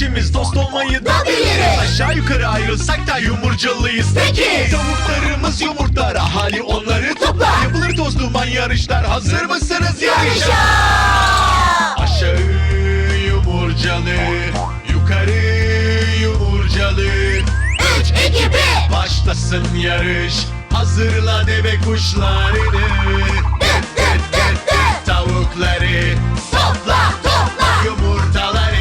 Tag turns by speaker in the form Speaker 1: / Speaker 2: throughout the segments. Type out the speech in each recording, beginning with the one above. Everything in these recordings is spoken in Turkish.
Speaker 1: İkimiz dost olmayı da biliriz. Aşağı yukarı ayrılsak da yumurcalıyız. Peki tavuklarımız yumurtlar, hali onları toplar. Yapılır toz duman yarışlar. Hazır mısınız yarışa? Aşağı yumurcalı, yukarı yumurcalı.
Speaker 2: 3, 2, 1.
Speaker 1: Başlasın yarış. Hazırla deve kuşlarını.
Speaker 2: Dıt dıt dıt dıt.
Speaker 1: Tavukları
Speaker 2: Topla topla.
Speaker 1: yumurtaları.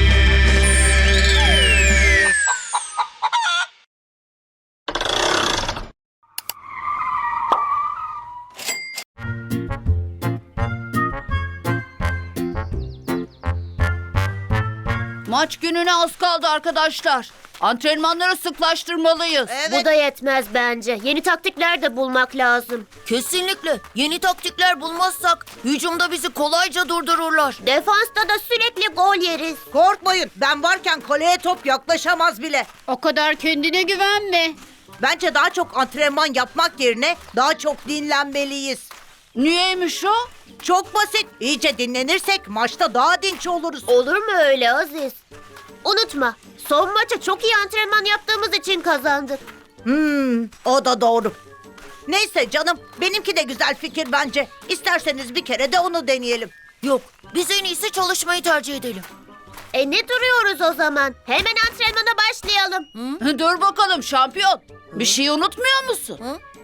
Speaker 3: Maç gününe az kaldı arkadaşlar. Antrenmanları sıklaştırmalıyız.
Speaker 4: Bu da yetmez bence. Yeni taktikler de bulmak lazım.
Speaker 5: Kesinlikle. Yeni taktikler bulmazsak hücumda bizi kolayca durdururlar.
Speaker 4: Defansta da sürekli gol yeriz.
Speaker 6: Korkmayın, ben varken kaleye top yaklaşamaz bile.
Speaker 3: O kadar kendine güvenme.
Speaker 6: Bence daha çok antrenman yapmak yerine daha çok dinlenmeliyiz.
Speaker 3: Niyeymiş o?
Speaker 6: Çok basit. İyice dinlenirsek maçta daha dinç oluruz.
Speaker 4: Olur mu öyle Aziz? Unutma, son maça çok iyi antrenman yaptığımız için kazandık.
Speaker 6: O da doğru. Neyse canım, benimki de güzel fikir bence. İsterseniz bir kere de onu deneyelim.
Speaker 5: Yok, biz en iyisi çalışmayı tercih edelim.
Speaker 4: Ne duruyoruz o zaman? Hemen antrenmana başlayalım.
Speaker 3: Dur bakalım şampiyon. Bir şey unutmuyor musun?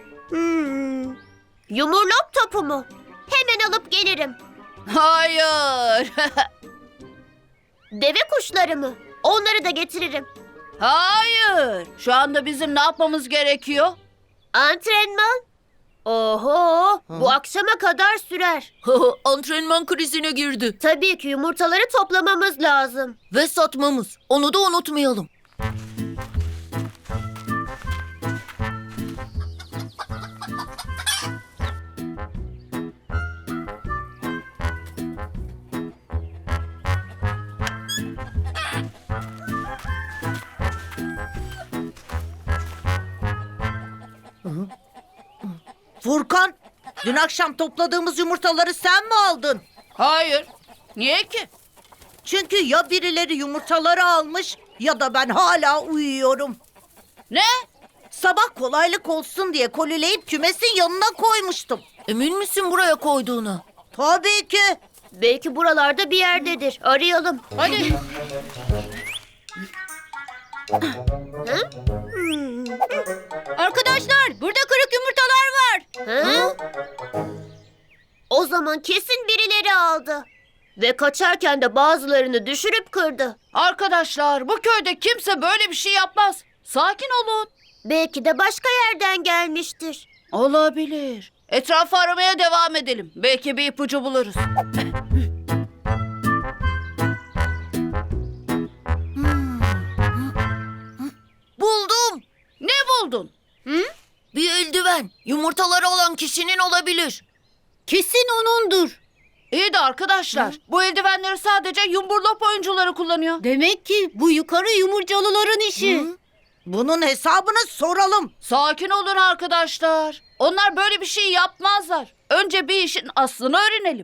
Speaker 4: Yumurlop topu mu? Hemen alıp gelirim.
Speaker 3: Hayır.
Speaker 4: Deve kuşları mı? Onları da getiririm.
Speaker 3: Hayır. Şu anda bizim ne yapmamız gerekiyor?
Speaker 4: Antrenman? Oho, bu akşama kadar sürer.
Speaker 5: Antrenman krizine girdi.
Speaker 4: Tabii ki yumurtaları toplamamız lazım.
Speaker 5: Ve satmamız. Onu da unutmayalım.
Speaker 6: Furkan, dün akşam topladığımız yumurtaları sen mi aldın?
Speaker 3: Hayır. Niye ki?
Speaker 6: Çünkü ya birileri yumurtaları almış ya da ben hala uyuyorum.
Speaker 3: Ne?
Speaker 6: Sabah kolaylık olsun diye kolileyip kümesin yanına koymuştum.
Speaker 5: Emin misin buraya koyduğuna?
Speaker 6: Tabii ki.
Speaker 4: Belki buralarda bir yerdedir. Arayalım.
Speaker 3: Hadi. Arkadaşlar burada kırık yumurtalar var.
Speaker 4: Ha? O zaman kesin birileri aldı. Ve kaçarken de bazılarını düşürüp kırdı.
Speaker 3: Arkadaşlar bu köyde kimse böyle bir şey yapmaz. Sakin olun.
Speaker 4: Belki de başka yerden gelmiştir.
Speaker 3: Olabilir. Etrafı aramaya devam edelim. Belki bir ipucu buluruz.
Speaker 5: Buldum.
Speaker 3: Ne buldun?
Speaker 5: Bir eldiven. Yumurtaları olan kişinin olabilir.
Speaker 3: Kesin onundur. İyi de arkadaşlar bu eldivenleri sadece yumburlop oyuncuları kullanıyor. Demek ki bu yukarı yumurcalıların işi.
Speaker 6: Bunun hesabını soralım.
Speaker 3: Sakin olun arkadaşlar. Onlar böyle bir şey yapmazlar. Önce bir işin aslını öğrenelim.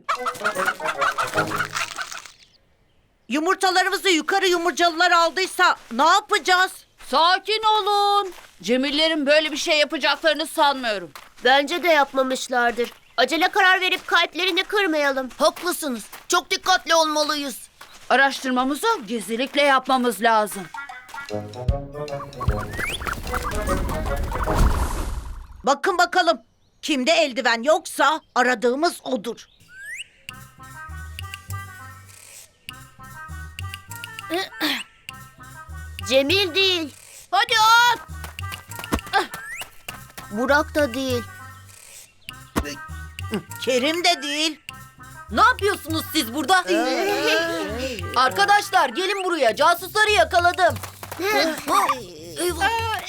Speaker 6: Yumurtalarımızı yukarı yumurcalılar aldıysa ne yapacağız?
Speaker 3: Sakin olun. Cemillerin böyle bir şey yapacaklarını sanmıyorum.
Speaker 4: Bence de yapmamışlardır. Acele karar verip kalplerini kırmayalım.
Speaker 5: Haklısınız. Çok dikkatli olmalıyız.
Speaker 3: Araştırmamızı gizlilikle yapmamız lazım.
Speaker 6: Bakın bakalım. Kimde eldiven yoksa aradığımız odur.
Speaker 4: Cemil değil.
Speaker 3: Hadi at.
Speaker 4: Burak da değil.
Speaker 6: Kerim de değil.
Speaker 5: Ne yapıyorsunuz siz burada? Arkadaşlar gelin buraya. Casusları yakaladım. Eyvah.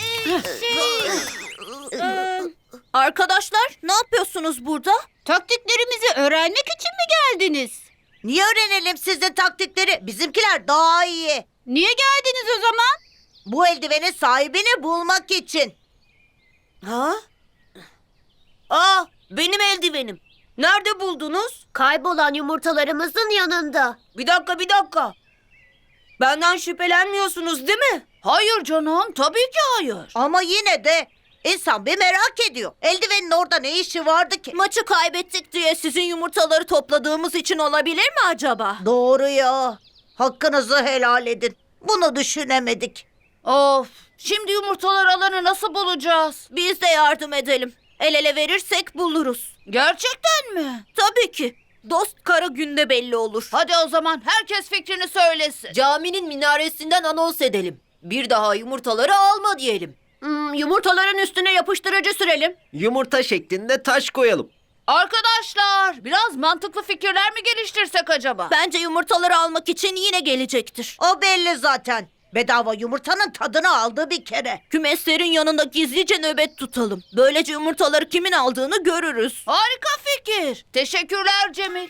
Speaker 3: Arkadaşlar ne yapıyorsunuz burada? Taktiklerimizi öğrenmek için mi geldiniz?
Speaker 6: Niye öğrenelim sizin taktikleri? Bizimkiler daha iyi.
Speaker 3: Niye geldiniz o zaman?
Speaker 6: Bu eldivenin sahibini bulmak için.
Speaker 5: Ha? Aa, benim eldivenim. Nerede buldunuz?
Speaker 4: Kaybolan yumurtalarımızın yanında.
Speaker 5: Bir dakika. Benden şüphelenmiyorsunuz değil mi?
Speaker 3: Hayır canım, tabii ki hayır.
Speaker 6: Ama yine de insan bir merak ediyor. Eldivenin orada ne işi vardı ki?
Speaker 5: Maçı kaybettik diye sizin yumurtaları topladığımız için olabilir mi acaba?
Speaker 6: Doğru ya. Hakkınızı helal edin. Bunu düşünemedik.
Speaker 3: Of, şimdi yumurtalar alanı nasıl bulacağız?
Speaker 5: Biz de yardım edelim. El ele verirsek buluruz.
Speaker 3: Gerçekten mi?
Speaker 5: Tabii ki. Dost kara günde belli olur.
Speaker 3: Hadi o zaman herkes fikrini söylesin.
Speaker 5: Caminin minaresinden anons edelim. Bir daha yumurtaları alma diyelim.
Speaker 4: Yumurtaların üstüne yapıştırıcı sürelim.
Speaker 7: Yumurta şeklinde taş koyalım.
Speaker 3: Arkadaşlar, biraz mantıklı fikirler mi geliştirsek acaba?
Speaker 5: Bence yumurtaları almak için yine gelecektir.
Speaker 6: O belli zaten. Bedava yumurtanın tadını aldı bir kere.
Speaker 5: Kümeslerin yanında gizlice nöbet tutalım. Böylece yumurtaları kimin aldığını görürüz.
Speaker 3: Harika fikir. Teşekkürler Cemil.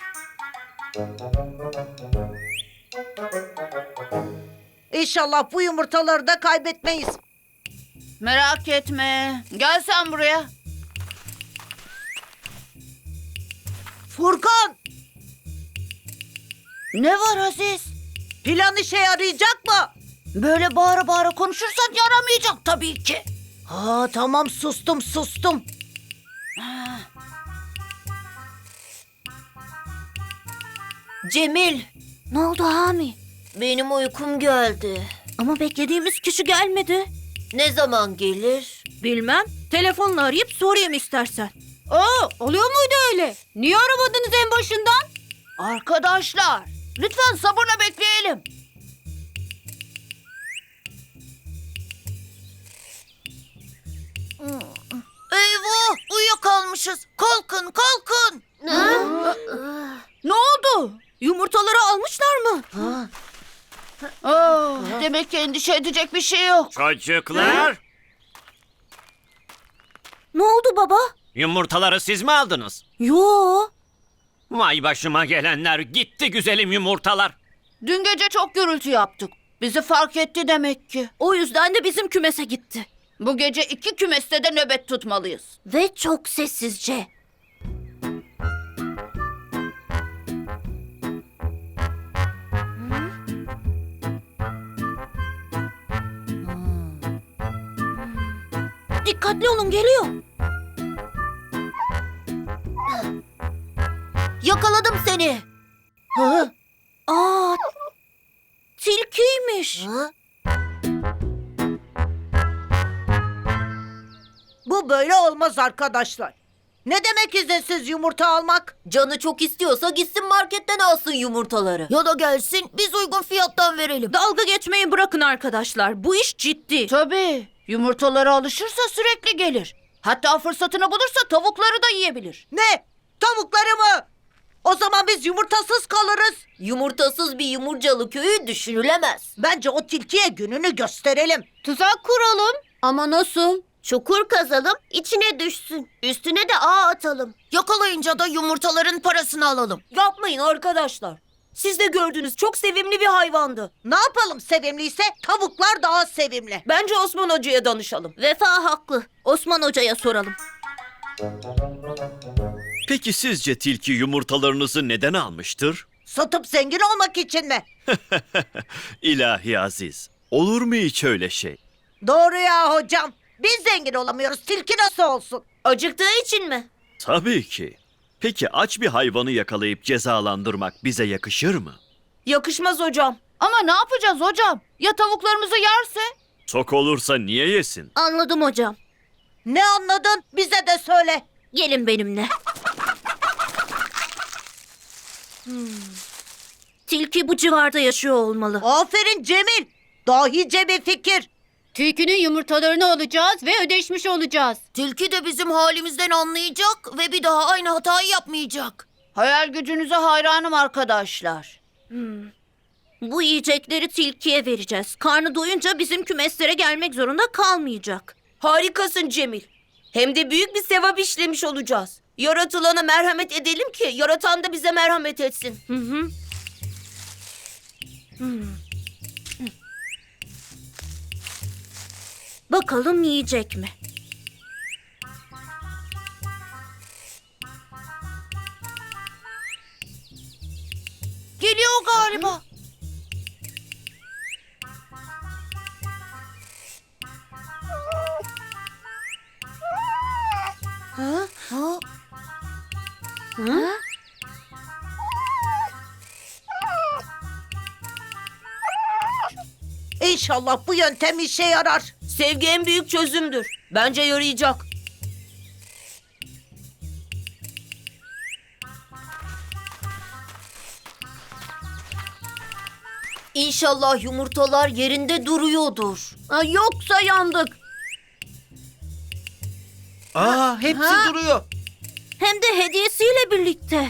Speaker 6: İnşallah bu yumurtaları da kaybetmeyiz.
Speaker 3: Merak etme. Gel sen buraya.
Speaker 6: Furkan,
Speaker 3: Ne var Aziz?
Speaker 6: plan işe yarayacak mı?
Speaker 3: Böyle bağıra bağıra konuşursan yaramayacak tabii ki.
Speaker 6: Ha tamam, sustum.
Speaker 5: Cemil,
Speaker 3: Ne oldu Hami?
Speaker 5: benim uykum geldi.
Speaker 3: Ama beklediğimiz kişi gelmedi.
Speaker 5: Ne zaman gelir? Bilmem. Telefonla arayıp sorayım istersen.
Speaker 3: Oluyor muydu öyle? Niye aramadınız en başından? Arkadaşlar, lütfen sabırla bekleyelim.
Speaker 5: Eyvah, uyuyakalmışız. Kalkın.
Speaker 3: Ne oldu?
Speaker 5: Yumurtaları almışlar mı?
Speaker 3: Demek ki endişe edecek bir şey yok.
Speaker 8: Çocuklar,
Speaker 5: Ne oldu baba?
Speaker 8: yumurtaları siz mi aldınız?
Speaker 5: Yo.
Speaker 8: Vay başıma gelenler, gitti güzelim yumurtalar.
Speaker 3: Dün gece çok gürültü yaptık. Bizi fark etti demek ki.
Speaker 5: O yüzden de bizim kümese gitti.
Speaker 3: Bu gece 2 kümeste de nöbet tutmalıyız.
Speaker 5: Ve çok sessizce. Dikkatli olun, geliyor. Yakaladım seni. Aa, tilkiymiş.
Speaker 6: Bu böyle olmaz arkadaşlar. Ne demek izinsiz yumurta almak?
Speaker 5: Canı çok istiyorsa gitsin marketten alsın yumurtaları. Ya da gelsin biz uygun fiyattan verelim. Dalga geçmeyi bırakın arkadaşlar. Bu iş ciddi.
Speaker 3: Tabii. Yumurtalara alışırsa sürekli gelir. Hatta fırsatını bulursa tavukları da yiyebilir.
Speaker 6: Ne? Tavukları mı? O zaman biz yumurtasız kalırız.
Speaker 5: Yumurtasız bir yumurcalı köyü düşünülemez.
Speaker 6: Bence o tilkiye gününü gösterelim.
Speaker 3: Tuzak kuralım.
Speaker 4: Ama nasıl? Çukur kazalım, içine düşsün. Üstüne de ağ atalım.
Speaker 5: Yakalayınca da yumurtaların parasını alalım. Yapmayın arkadaşlar. Siz de gördünüz, çok sevimli bir hayvandı.
Speaker 6: Ne yapalım sevimliyse? Tavuklar daha sevimli.
Speaker 5: Bence Osman Hoca'ya danışalım. Vefa haklı. Osman Hoca'ya soralım.
Speaker 1: Peki sizce tilki yumurtalarınızı neden almıştır?
Speaker 6: Satıp zengin olmak için mi?
Speaker 1: İlahi Aziz, olur mu hiç öyle şey?
Speaker 6: Doğru ya hocam. Biz zengin olamıyoruz. Tilki nasıl olsun?
Speaker 5: Acıktığı için mi?
Speaker 1: Tabii ki. Peki aç bir hayvanı yakalayıp cezalandırmak bize yakışır mı?
Speaker 5: Yakışmaz hocam.
Speaker 3: Ama ne yapacağız hocam? Ya tavuklarımızı yerse?
Speaker 1: Tok olursa niye yesin?
Speaker 5: Anladım hocam.
Speaker 6: Ne anladın? Bize de söyle.
Speaker 5: Gelin benimle. Tilki bu civarda yaşıyor olmalı.
Speaker 6: Aferin Cemil. Dahice bir fikir.
Speaker 3: Tilkinin yumurtalarını alacağız ve ödeşmiş olacağız.
Speaker 5: Tilki de bizim halimizden anlayacak ve bir daha aynı hatayı yapmayacak.
Speaker 3: Hayal gücünüze hayranım arkadaşlar.
Speaker 5: Bu yiyecekleri tilkiye vereceğiz. Karnı doyunca bizim kümeslere gelmek zorunda kalmayacak. Harikasın Cemil. Hem de büyük bir sevap işlemiş olacağız. Yaratılana merhamet edelim ki yaratan da bize merhamet etsin. Bakalım yiyecek mi?
Speaker 3: Geliyor galiba.
Speaker 6: İnşallah bu yöntem işe yarar.
Speaker 5: Sevgi en büyük çözümdür. Bence yarayacak. İnşallah yumurtalar yerinde duruyordur. Yoksa yandık.
Speaker 7: Aa, hepsi duruyor.
Speaker 5: Hem de hediyesiyle birlikte.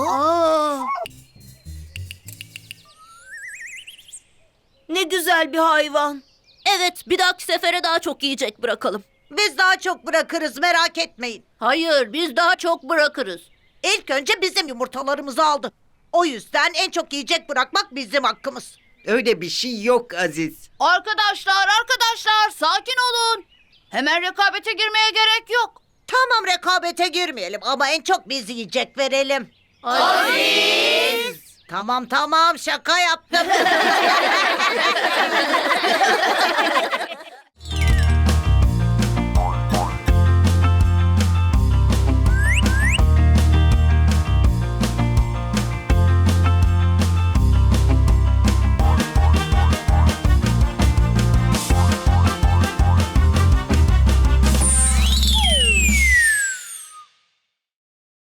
Speaker 5: Ne güzel bir hayvan. Evet, bir dahaki sefere daha çok yiyecek bırakalım.
Speaker 6: Biz daha çok bırakırız, merak etmeyin.
Speaker 5: Hayır, biz daha çok bırakırız.
Speaker 6: İlk önce bizim yumurtalarımızı aldı. O yüzden en çok yiyecek bırakmak bizim hakkımız.
Speaker 7: Öyle bir şey yok Aziz.
Speaker 3: Arkadaşlar sakin olun. Hemen rekabete girmeye gerek yok.
Speaker 6: Tamam, rekabete girmeyelim ama en çok biz yiyecek verelim. Tamam şaka yaptım.